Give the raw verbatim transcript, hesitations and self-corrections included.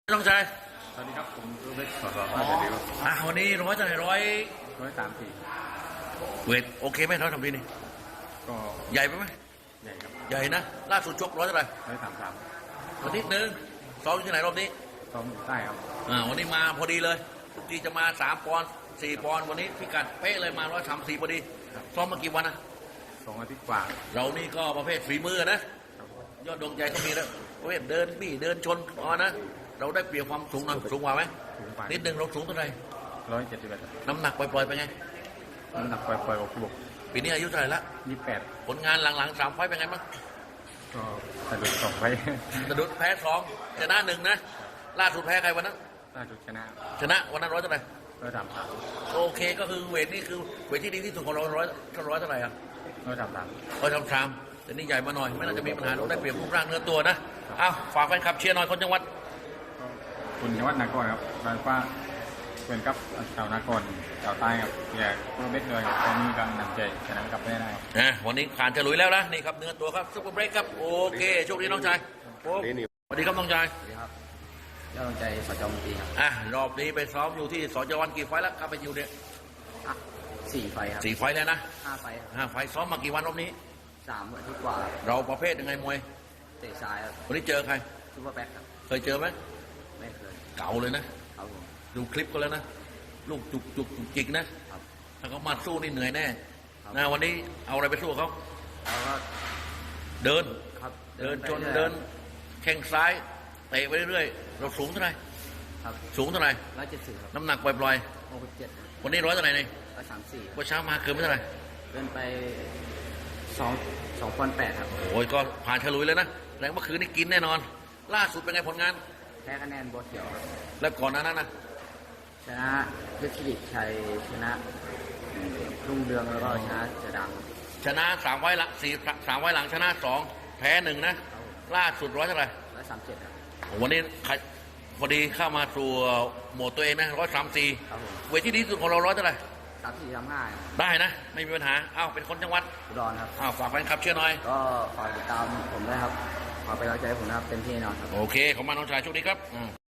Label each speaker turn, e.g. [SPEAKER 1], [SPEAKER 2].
[SPEAKER 1] น้องชาย
[SPEAKER 2] สวัสดีครับผมรูเบกสอดรอมาจากเดียว
[SPEAKER 1] อ่ะวันนี้ร้อยเท่าไหร่ร้อย
[SPEAKER 2] ร้อยสามสี่
[SPEAKER 1] เวทโอเคไหมร้อยทำดีนี่
[SPEAKER 2] ก็
[SPEAKER 1] ใหญ่ไปไหม
[SPEAKER 2] ใหญ่ครับ
[SPEAKER 1] ใหญ่นะล่าสุดชกร้อยเท่าไหร่
[SPEAKER 2] ร้อยสามสาม
[SPEAKER 1] อาทิตย์หนึ่งซ้อมอยู่ที่ไหนรอบนี้
[SPEAKER 2] ซ้อมอยู่ใต้ครับ
[SPEAKER 1] อ่าวันนี้มาพอดีเลยทุกทีจะมาสามปอนด์สี่ปอนด์วันนี้พิกัดเป๊ะเลยมาร้อยสามสี่พอดีซ้อมมากี่วันนะ
[SPEAKER 2] สองอาทิตย์กว่า
[SPEAKER 1] เรานี่ก็ประเภทฝีมือนะยอดดวงใจก็มีแล้วประเภทเดินบี้เดินชนอ๋อนะเราได้เปรียบความสูงหน่อยสูงกว่าไหมนิดนึงเราสูงเท่าไหร่
[SPEAKER 2] ร้อยเจ็ดสิบเอ็ด
[SPEAKER 1] น้ำหนักปล่อยๆไปไง
[SPEAKER 2] น้ำหนักปล่อยๆอกบวก
[SPEAKER 1] ปีนี้อายุเท่าไหร่ละ
[SPEAKER 2] ยี่สิบแปด
[SPEAKER 1] ผลงานหลังๆสามไฟเป็นไงบ้าง
[SPEAKER 2] ก็สะดุดสองไฟ
[SPEAKER 1] สะดุดแพ้สองชนะหนึ่งนะล่าสุดแพ้ใครวันนั้น
[SPEAKER 2] ล่าสุดชนะ
[SPEAKER 1] ชนะวันนั้นร้อยเท่าไหร่
[SPEAKER 2] ร้อยสามสาม
[SPEAKER 1] โอเคก็คือเวทนี่คือเวทที่ดีที่สุดของเราร้อยร้อยเท่าไหร่อ่ะ
[SPEAKER 2] ร้อยสามสาม
[SPEAKER 1] ร้อยสามสามแต่นี่ใหญ่มาหน่อยไม่น่าจะมีปัญหาเราได้เปรียบรูปร่างเนื้อตัวนะอ้าวฝากแฟนคลับเชียร์หน่อยคนจังหวัด
[SPEAKER 2] คุณจังหวัดนครครับบางฟ้าเป็นกับชาวนครชาวใต้ครับอยากรูเบกเลยครับตอนนี้กำลังนำใจชนะกับไม่ได้ครับ
[SPEAKER 1] อ่ะวันนี้ผ่านฉลุยแล้วนะนี่ครับเนื้อตัวครับซุปเปอร์เบรกครับโอเคโชคดีน้องชายสวัสดีครับน้องชาย
[SPEAKER 3] สวัสดีครับยอดใจสจอมตีครับ
[SPEAKER 1] อ่ะรอบนี้ไปซ้อมอยู่ที่สจวันกี่ไฟแล้วครับไปอยู่เนี่ย
[SPEAKER 3] สี่ไฟครับ
[SPEAKER 1] สี่ไฟแล้วนะ
[SPEAKER 3] ห้าไฟ
[SPEAKER 1] ห้าไฟซ้อมมากี่วันรอบนี้
[SPEAKER 3] สามอาทิตย์กว่า
[SPEAKER 1] เราประเภทยังไงมวย
[SPEAKER 3] เตะซ้ายครับ
[SPEAKER 1] วันนี้เจอใคร
[SPEAKER 3] ซูเปอร์แบ็คครับ
[SPEAKER 1] เคยเจอไหม
[SPEAKER 3] ไม่เคย
[SPEAKER 1] เก่าเลยนะดูคลิปก็แล้วนะลูกจุกจุกจุกจิกนะถ้าเขามาสู้นี่เหนื่อยแน่นะวันนี้เอาอะไรไปสู้เขา
[SPEAKER 3] เราก็
[SPEAKER 1] เดิน
[SPEAKER 3] ครับ
[SPEAKER 1] เดินจนเดินแข้งซ้ายเตะไปเรื่อยๆเราสูงเท่าไหร่
[SPEAKER 3] ครับ
[SPEAKER 1] สูงเท่าไหร่
[SPEAKER 3] ร้อยเจ็ดสิบครับ
[SPEAKER 1] น้ำหนักปล่อย
[SPEAKER 3] หกสิบเจ็ด
[SPEAKER 1] ๆวันนี้ร้อยเท่าไหร่เนี่ย
[SPEAKER 3] ร้อยสามสี่
[SPEAKER 1] วันเช้ามาเกินไม่เท่าไหร่
[SPEAKER 3] เดินไปสองสองปอนด์แปดครับ
[SPEAKER 1] โอ้ยก็ผ่านฉลุยแล้วนะแรงเมื่อคืนนี่กินแน่นอนล่าสุดเป็นไงผลงาน
[SPEAKER 3] แพ้คะแนนโบเขียว
[SPEAKER 1] แล้วก่อนหน้านั้นนะ
[SPEAKER 3] ชนะเพชรดิชัยชนะรุ่งเรืองแล้วก็ชนะเสือด
[SPEAKER 1] ำชนะสามไว้หลังสี่สามไว้หลังชนะสองแพ้หนึ่งนะล่าสุดร้อยเท่าไหร่
[SPEAKER 3] ร้อยสามเจ็ดครับ
[SPEAKER 1] วันนี้พอดีเข้ามาสู่โหมดตัวเองนะร้อยสามสี่เวทที่ดีที่สุดของเราร้อยเท่าไหร่
[SPEAKER 3] สามสี่สามห้า
[SPEAKER 1] ได้นะไม่มีปัญหาอ้าวเป็นคนจังหวัด
[SPEAKER 3] อุดรครับ
[SPEAKER 1] อ้าวฝากแฟนคลับเชียร์หน่อย
[SPEAKER 3] ก็ฝากติดตามผมด้วยครับขอไปรักใจผมนะครับเต็มที่แน่นอนครับ
[SPEAKER 1] โอเคขอบคุณน้องชายโชคดีครับ